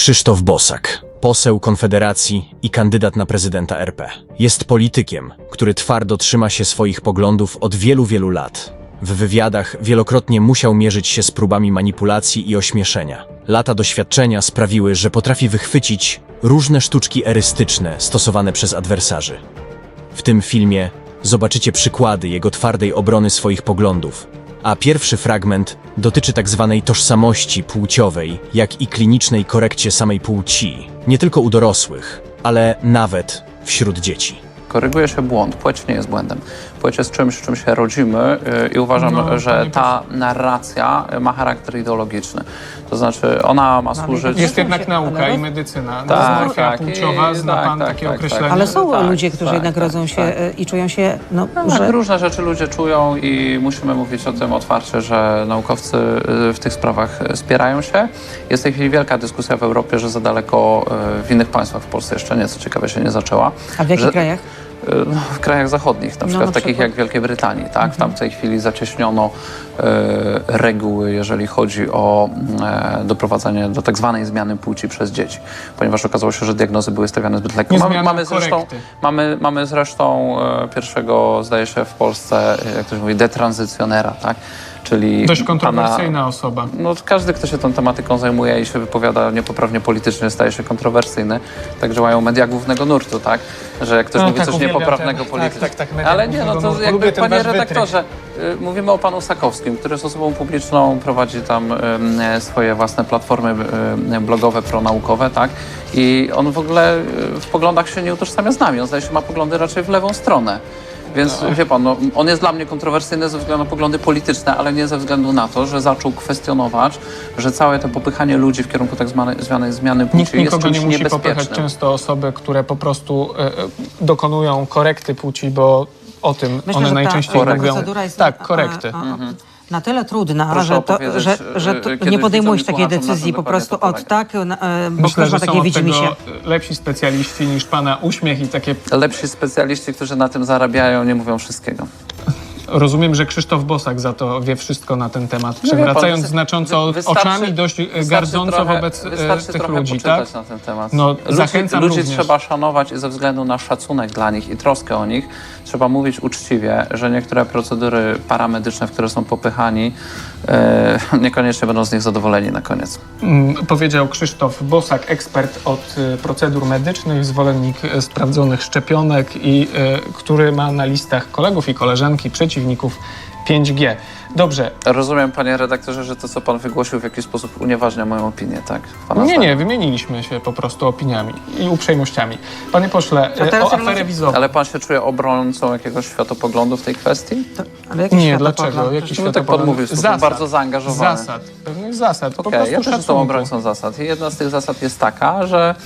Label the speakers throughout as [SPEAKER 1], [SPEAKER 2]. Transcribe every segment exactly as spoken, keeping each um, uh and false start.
[SPEAKER 1] Krzysztof Bosak, poseł Konfederacji i kandydat na prezydenta R P. Jest politykiem, który twardo trzyma się swoich poglądów od wielu, wielu lat. W wywiadach wielokrotnie musiał mierzyć się z próbami manipulacji i ośmieszenia. Lata doświadczenia sprawiły, że potrafi wychwycić różne sztuczki erystyczne stosowane przez adwersarzy. W tym filmie zobaczycie przykłady jego twardej obrony swoich poglądów, a pierwszy fragment dotyczy tak zwanej tożsamości płciowej, jak i klinicznej korekcie samej płci, nie tylko u dorosłych, ale nawet wśród dzieci.
[SPEAKER 2] Koryguje się błąd. Płeć nie jest błędem. Płeć jest czymś, czym się rodzimy yy, i uważam,
[SPEAKER 3] No,
[SPEAKER 2] że ta narracja ma charakter ideologiczny. To znaczy ona ma służyć...
[SPEAKER 3] Jest jednak nauka i medycyna.
[SPEAKER 2] Tak,
[SPEAKER 3] Dysmorfia
[SPEAKER 2] tak.
[SPEAKER 3] płciowa,
[SPEAKER 2] I-
[SPEAKER 3] zna
[SPEAKER 2] tak,
[SPEAKER 3] pan
[SPEAKER 2] tak,
[SPEAKER 3] takie
[SPEAKER 2] tak,
[SPEAKER 3] określenie?
[SPEAKER 2] tak.
[SPEAKER 4] Ale są
[SPEAKER 2] Tak,
[SPEAKER 4] ludzie, którzy
[SPEAKER 2] tak,
[SPEAKER 4] jednak
[SPEAKER 2] tak,
[SPEAKER 4] rodzą się
[SPEAKER 2] tak.
[SPEAKER 4] e, i czują się, no,
[SPEAKER 2] No,
[SPEAKER 4] że...
[SPEAKER 2] tak, różne rzeczy ludzie czują i musimy mówić o tym otwarcie, że naukowcy y, w tych sprawach spierają się. Jest w tej chwili wielka dyskusja w Europie, że za daleko y, w innych państwach, w Polsce jeszcze nie, co ciekawe się nie zaczęła.
[SPEAKER 4] A w jakich
[SPEAKER 2] że,
[SPEAKER 4] krajach?
[SPEAKER 2] No, w krajach zachodnich, na przykład
[SPEAKER 4] na
[SPEAKER 2] takich
[SPEAKER 4] przykład.
[SPEAKER 2] jak Wielkiej Brytanii, tak? W tamtej chwili zacieśniono e, reguły, jeżeli chodzi o e, doprowadzenie do tak zwanej zmiany płci przez dzieci, ponieważ okazało się, że diagnozy były stawiane zbyt lekko.
[SPEAKER 3] Nie
[SPEAKER 2] Mamy,
[SPEAKER 3] zmiana,
[SPEAKER 2] mamy, zresztą,
[SPEAKER 3] korekty.
[SPEAKER 2] mamy, mamy zresztą e, pierwszego, zdaje się, w Polsce, jak ktoś mówi, detranzycjonera, tak? Czyli
[SPEAKER 3] Dość kontrowersyjna
[SPEAKER 2] pana,
[SPEAKER 3] osoba.
[SPEAKER 2] no, każdy, kto się tą tematyką zajmuje i się wypowiada niepoprawnie politycznie, staje się kontrowersyjny. Tak działają media głównego nurtu, tak? Że jak ktoś
[SPEAKER 3] No,
[SPEAKER 2] mówi
[SPEAKER 3] tak,
[SPEAKER 2] coś
[SPEAKER 3] uwielbiam
[SPEAKER 2] niepoprawnego
[SPEAKER 3] ten-
[SPEAKER 2] politycznie.
[SPEAKER 3] tak, tak, tak, media
[SPEAKER 2] Ale nie, no
[SPEAKER 3] głównego
[SPEAKER 2] to
[SPEAKER 3] nurtu.
[SPEAKER 2] jakby,
[SPEAKER 3] Lubię ten
[SPEAKER 2] panie
[SPEAKER 3] wasz
[SPEAKER 2] redaktorze, y, mówimy o panu Sakowskim, który jest osobą publiczną, prowadzi tam y, swoje własne platformy y, blogowe, pronaukowe, tak? I on w ogóle y, w poglądach się nie utożsamia z nami. On zdaje się ma poglądy raczej w lewą stronę. Więc wie pan, no, on jest dla mnie kontrowersyjny ze względu na poglądy polityczne, ale nie ze względu na to, że zaczął kwestionować, że całe to popychanie ludzi w kierunku tak zwanej, zwanej zmiany płci
[SPEAKER 3] Nikt
[SPEAKER 2] jest
[SPEAKER 3] nikogo
[SPEAKER 2] czymś
[SPEAKER 3] nie musi popychać.
[SPEAKER 2] niebezpiecznym.
[SPEAKER 3] Często osoby, które po prostu e, e, dokonują korekty płci, bo o tym
[SPEAKER 4] Myślę,
[SPEAKER 3] one
[SPEAKER 4] że
[SPEAKER 3] najczęściej
[SPEAKER 4] ta, ta
[SPEAKER 3] mówią.
[SPEAKER 4] procedura jest
[SPEAKER 3] Tak,
[SPEAKER 4] a-
[SPEAKER 3] korekty.
[SPEAKER 4] a- a- na tyle trudna,
[SPEAKER 2] Proszę
[SPEAKER 4] że, to,
[SPEAKER 2] opowiedzieć,
[SPEAKER 4] że, że to
[SPEAKER 2] y, kiedyś
[SPEAKER 4] nie podejmujesz
[SPEAKER 2] widzom i
[SPEAKER 4] takiej
[SPEAKER 2] słuchaczom, na
[SPEAKER 4] decyzji
[SPEAKER 2] czym
[SPEAKER 4] po prostu
[SPEAKER 2] dokładnie
[SPEAKER 4] od
[SPEAKER 2] to
[SPEAKER 4] tak, na- e, bo
[SPEAKER 3] Myślę,
[SPEAKER 4] ktoś
[SPEAKER 3] że
[SPEAKER 4] ma
[SPEAKER 3] są
[SPEAKER 4] takie
[SPEAKER 3] od
[SPEAKER 4] widzimy
[SPEAKER 3] tego
[SPEAKER 4] się.
[SPEAKER 3] lepsi specjaliści niż pana uśmiech i takie...
[SPEAKER 2] Lepsi specjaliści, którzy na tym zarabiają, nie mówią wszystkiego.
[SPEAKER 3] Rozumiem, że Krzysztof Bosak za to wie wszystko na ten temat,
[SPEAKER 2] No wie pan,
[SPEAKER 3] przewracając
[SPEAKER 2] wystar-
[SPEAKER 3] znacząco
[SPEAKER 2] wy- wystarczy-
[SPEAKER 3] oczami dość e,
[SPEAKER 2] wystarczy
[SPEAKER 3] gardząco
[SPEAKER 2] trochę-
[SPEAKER 3] wobec e,
[SPEAKER 2] wystarczy
[SPEAKER 3] tych
[SPEAKER 2] trochę
[SPEAKER 3] ludzi,
[SPEAKER 2] poczytać
[SPEAKER 3] tak?
[SPEAKER 2] na ten temat.
[SPEAKER 3] No,
[SPEAKER 2] ludzi,
[SPEAKER 3] zachęcam
[SPEAKER 2] ludzi
[SPEAKER 3] również.
[SPEAKER 2] trzeba szanować i ze względu na szacunek dla nich i troskę o nich trzeba mówić uczciwie, że niektóre procedury paramedyczne, w które są popychani, e, niekoniecznie będą z nich zadowoleni na koniec.
[SPEAKER 3] Mm, Powiedział Krzysztof Bosak, ekspert od y, procedur medycznych, zwolennik y, sprawdzonych szczepionek i y, który ma na listach kolegów i koleżanki przeciwników pięć G. Dobrze.
[SPEAKER 2] Rozumiem, panie redaktorze, że to, co pan wygłosił, w jakiś sposób unieważnia moją opinię, tak? Pana
[SPEAKER 3] Nie,
[SPEAKER 2] zdaniem.
[SPEAKER 3] nie, wymieniliśmy się po prostu opiniami i uprzejmościami. Panie pośle,
[SPEAKER 4] A
[SPEAKER 3] y,
[SPEAKER 4] teraz
[SPEAKER 3] o
[SPEAKER 4] ja
[SPEAKER 3] aferę
[SPEAKER 4] może-
[SPEAKER 3] wizową.
[SPEAKER 2] Ale pan się czuje obrońcą jakiegoś światopoglądu w tej kwestii?
[SPEAKER 4] To, ale jaki
[SPEAKER 3] Nie,
[SPEAKER 4] światopogląd?
[SPEAKER 3] dlaczego? Jaki
[SPEAKER 2] No tak pan
[SPEAKER 3] światopogląd?
[SPEAKER 2] mówił, w sposób bardzo zaangażowany.
[SPEAKER 3] Zasad, pewnych zasad, po
[SPEAKER 2] Okej,
[SPEAKER 3] prostu
[SPEAKER 2] ja też jestem
[SPEAKER 3] szacunku.
[SPEAKER 2] obrońcą zasad. I jedna z tych zasad jest taka, że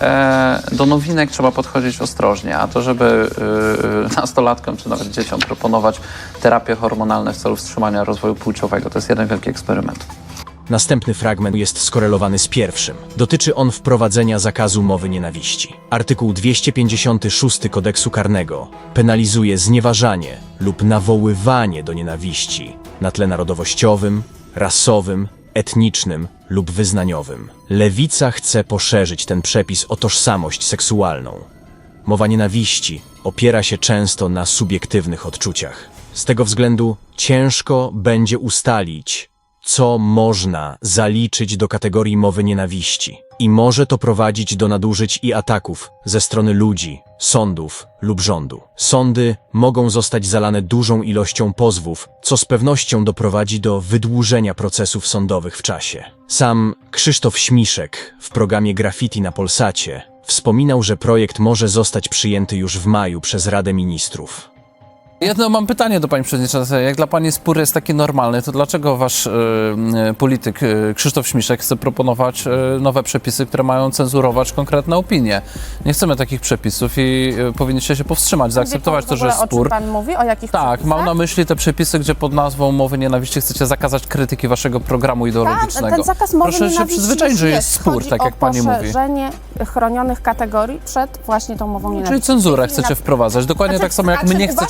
[SPEAKER 2] e, do nowinek trzeba podchodzić ostrożnie, a to, żeby e, nastolatkom czy nawet dzieciom proponować terapie hormonalne w celu wstrzymania rozwoju płciowego, to jest jeden wielki eksperyment.
[SPEAKER 1] Następny fragment jest skorelowany z pierwszym. Dotyczy on wprowadzenia zakazu mowy nienawiści. Artykuł dwieście pięćdziesiąty szósty Kodeksu Karnego penalizuje znieważanie lub nawoływanie do nienawiści na tle narodowościowym, rasowym, etnicznym lub wyznaniowym. Lewica chce poszerzyć ten przepis o tożsamość seksualną. Mowa nienawiści opiera się często na subiektywnych odczuciach. Z tego względu ciężko będzie ustalić, co można zaliczyć do kategorii mowy nienawiści. I może to prowadzić do nadużyć i ataków ze strony ludzi, sądów lub rządu. Sądy mogą zostać zalane dużą ilością pozwów, co z pewnością doprowadzi do wydłużenia procesów sądowych w czasie. Sam Krzysztof Śmiszek w programie Graffiti na Polsacie wspominał, że projekt może zostać przyjęty już w maju przez Radę Ministrów.
[SPEAKER 2] Jedno mam pytanie do pani przewodniczącej. Jak dla pani spór jest taki normalny, to dlaczego wasz y, y, polityk y, Krzysztof Śmiszek chce proponować y, nowe przepisy, które mają cenzurować konkretne opinie? Nie chcemy takich przepisów i y, powinniście się powstrzymać, zaakceptować to, że jest
[SPEAKER 5] O czym
[SPEAKER 2] spór.
[SPEAKER 5] pan mówi? O jakich
[SPEAKER 2] Tak,
[SPEAKER 5] przepisach?
[SPEAKER 2] mam na myśli te przepisy, gdzie pod nazwą mowy nienawiści chcecie zakazać krytyki waszego programu ideologicznego.
[SPEAKER 5] Tak, ten zakaz mowy
[SPEAKER 2] Proszę się
[SPEAKER 5] nienawiści
[SPEAKER 2] przyzwyczaić, że
[SPEAKER 5] już
[SPEAKER 2] jest spór,
[SPEAKER 5] Chodzi
[SPEAKER 2] tak
[SPEAKER 5] o
[SPEAKER 2] jak pani mówi.
[SPEAKER 5] poszerzenie chronionych kategorii przed właśnie tą mową nienawiści.
[SPEAKER 2] Czyli cenzurę
[SPEAKER 5] W tej chwili
[SPEAKER 2] chcecie
[SPEAKER 5] na-
[SPEAKER 2] wprowadzać, dokładnie
[SPEAKER 5] Znaczy,
[SPEAKER 2] tak samo jak
[SPEAKER 5] a czy
[SPEAKER 2] mnie
[SPEAKER 5] uważa
[SPEAKER 2] chcecie...
[SPEAKER 5] pan, że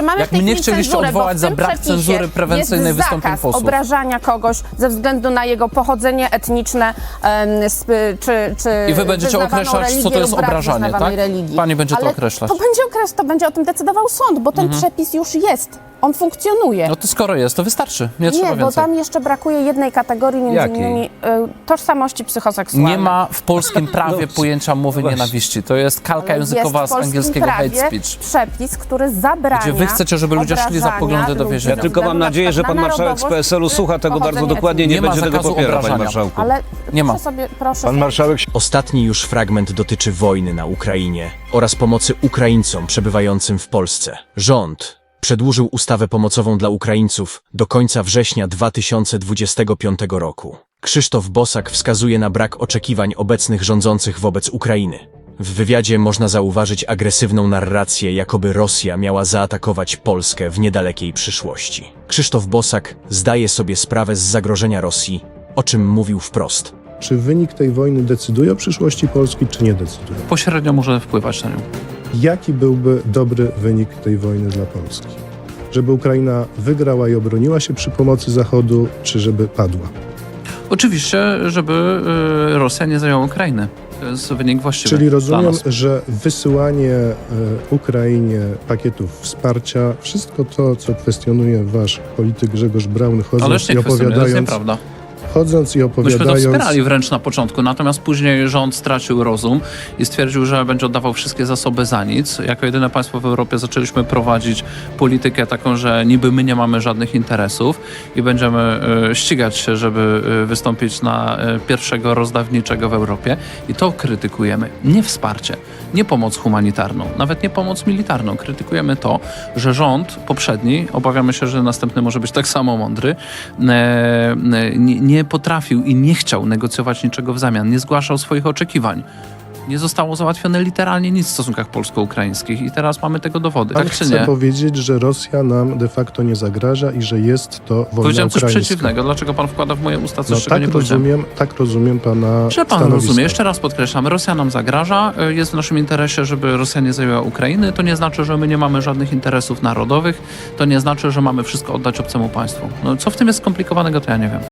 [SPEAKER 5] mamy
[SPEAKER 6] Jak
[SPEAKER 5] w tej
[SPEAKER 6] mnie
[SPEAKER 5] chwili
[SPEAKER 6] chcieliście
[SPEAKER 5] cenzurę, bo
[SPEAKER 6] odwołać
[SPEAKER 5] w
[SPEAKER 6] za
[SPEAKER 5] tym
[SPEAKER 6] brak
[SPEAKER 5] przepisie
[SPEAKER 6] cenzury prewencyjnej
[SPEAKER 5] jest
[SPEAKER 6] wystąpień
[SPEAKER 5] zakaz
[SPEAKER 6] posłów.
[SPEAKER 5] obrażania kogoś ze względu na jego pochodzenie etniczne em, sp- czy, czy
[SPEAKER 6] I wy będziecie
[SPEAKER 5] wyznawaną
[SPEAKER 6] określać, co
[SPEAKER 5] religię
[SPEAKER 6] to jest
[SPEAKER 5] lub brak
[SPEAKER 6] obrażanie,
[SPEAKER 5] wyznawanej
[SPEAKER 6] tak?
[SPEAKER 5] religii.
[SPEAKER 6] Pani będzie to
[SPEAKER 5] Ale
[SPEAKER 6] określać.
[SPEAKER 5] To będzie, okres, to będzie o tym decydował sąd, bo ten
[SPEAKER 6] Mhm.
[SPEAKER 5] przepis już jest. On funkcjonuje.
[SPEAKER 6] No to skoro jest, to wystarczy. Nie, trzeba
[SPEAKER 5] Nie, bo
[SPEAKER 6] więcej.
[SPEAKER 5] tam jeszcze brakuje jednej kategorii, między
[SPEAKER 7] Jakiej?
[SPEAKER 5] innymi y, tożsamości psychoseksualnej.
[SPEAKER 6] Nie ma w polskim prawie
[SPEAKER 7] No,
[SPEAKER 6] pojęcia mowy
[SPEAKER 7] właśnie.
[SPEAKER 6] nienawiści. To jest kalka
[SPEAKER 5] Ale
[SPEAKER 6] językowa
[SPEAKER 5] jest
[SPEAKER 6] z
[SPEAKER 5] w polskim
[SPEAKER 6] angielskiego hate
[SPEAKER 5] prawie
[SPEAKER 6] speech.
[SPEAKER 5] przepis, który zabrania
[SPEAKER 6] Gdzie wy chcecie, żeby ludzie szli za
[SPEAKER 5] obrażania
[SPEAKER 6] poglądy do
[SPEAKER 5] ludzi
[SPEAKER 6] więzienia.
[SPEAKER 5] ze
[SPEAKER 7] Ja tylko
[SPEAKER 5] względu
[SPEAKER 7] mam
[SPEAKER 5] na
[SPEAKER 7] nadzieję, że
[SPEAKER 5] przykład
[SPEAKER 7] pan
[SPEAKER 5] na
[SPEAKER 7] marszałek z
[SPEAKER 5] narodowość
[SPEAKER 7] P S L-u
[SPEAKER 5] czy
[SPEAKER 7] słucha tego bardzo
[SPEAKER 5] pochodzenie
[SPEAKER 7] dokładnie i nie,
[SPEAKER 6] Nie ma
[SPEAKER 7] będzie tego
[SPEAKER 6] zakazu
[SPEAKER 7] popierał, panie
[SPEAKER 6] obrażania.
[SPEAKER 7] marszałku.
[SPEAKER 5] Ale
[SPEAKER 6] Nie ma.
[SPEAKER 5] proszę sobie, proszę
[SPEAKER 7] Pan
[SPEAKER 5] sobie
[SPEAKER 7] marszałek
[SPEAKER 1] Ostatni już fragment dotyczy wojny na Ukrainie oraz pomocy Ukraińcom przebywającym w Polsce. Rząd przedłużył ustawę pomocową dla Ukraińców do końca września dwa tysiące dwudziestego piątego roku. Krzysztof Bosak wskazuje na brak oczekiwań obecnych rządzących wobec Ukrainy. W wywiadzie można zauważyć agresywną narrację, jakoby Rosja miała zaatakować Polskę w niedalekiej przyszłości. Krzysztof Bosak zdaje sobie sprawę z zagrożenia Rosji, o czym mówił wprost.
[SPEAKER 8] Czy wynik tej wojny decyduje o przyszłości Polski, czy nie decyduje?
[SPEAKER 2] Pośrednio może wpływać na nią.
[SPEAKER 8] Jaki byłby dobry wynik tej wojny dla Polski? Żeby Ukraina wygrała i obroniła się przy pomocy Zachodu, czy żeby padła?
[SPEAKER 2] Oczywiście, żeby y, Rosja nie zajęła Ukrainy. To jest wynik właściwy
[SPEAKER 8] Czyli
[SPEAKER 2] dla
[SPEAKER 8] rozumiem,
[SPEAKER 2] nas.
[SPEAKER 8] że wysyłanie e, Ukrainie pakietów wsparcia, wszystko to, co kwestionuje wasz polityk Grzegorz Braun, chodząc
[SPEAKER 2] Ależ nie
[SPEAKER 8] i
[SPEAKER 2] kwestionuję, to jest
[SPEAKER 8] opowiadając,
[SPEAKER 2] nieprawda.
[SPEAKER 8] chodząc i
[SPEAKER 2] Myśmy to
[SPEAKER 8] opowiadając,
[SPEAKER 2] wspierali wręcz na początku, natomiast później rząd stracił rozum i stwierdził, że będzie oddawał wszystkie zasoby za nic. Jako jedyne państwo w Europie zaczęliśmy prowadzić politykę taką, że niby my nie mamy żadnych interesów i będziemy e, ścigać się, żeby e, wystąpić na e, pierwszego rozdawniczego w Europie. I to krytykujemy. Nie wsparcie, nie pomoc humanitarną, nawet nie pomoc militarną. Krytykujemy to, że rząd poprzedni, obawiamy się, że następny może być tak samo mądry, e, e, nie, nie potrafił i nie chciał negocjować niczego w zamian, nie zgłaszał swoich oczekiwań. Nie zostało załatwione literalnie nic w stosunkach polsko-ukraińskich i teraz mamy tego dowody.
[SPEAKER 8] pan
[SPEAKER 2] Tak czy
[SPEAKER 8] chce
[SPEAKER 2] nie?
[SPEAKER 8] powiedzieć, że Rosja nam de facto nie zagraża i że jest to wojna
[SPEAKER 2] Powiedziałem coś
[SPEAKER 8] ukraińska.
[SPEAKER 2] przeciwnego. Dlaczego pan wkłada w moje usta coś,
[SPEAKER 8] No,
[SPEAKER 2] czego
[SPEAKER 8] tak,
[SPEAKER 2] nie powiedziałem?
[SPEAKER 8] rozumiem, tak rozumiem pana
[SPEAKER 2] Że pan
[SPEAKER 8] stanowisko.
[SPEAKER 2] rozumie, jeszcze raz podkreślam, Rosja nam zagraża, y, jest w naszym interesie, żeby Rosja nie zajęła Ukrainy. To nie znaczy, że my nie mamy żadnych interesów narodowych, to nie znaczy, że mamy wszystko oddać obcemu państwu. No, co w tym jest skomplikowanego, to ja nie wiem.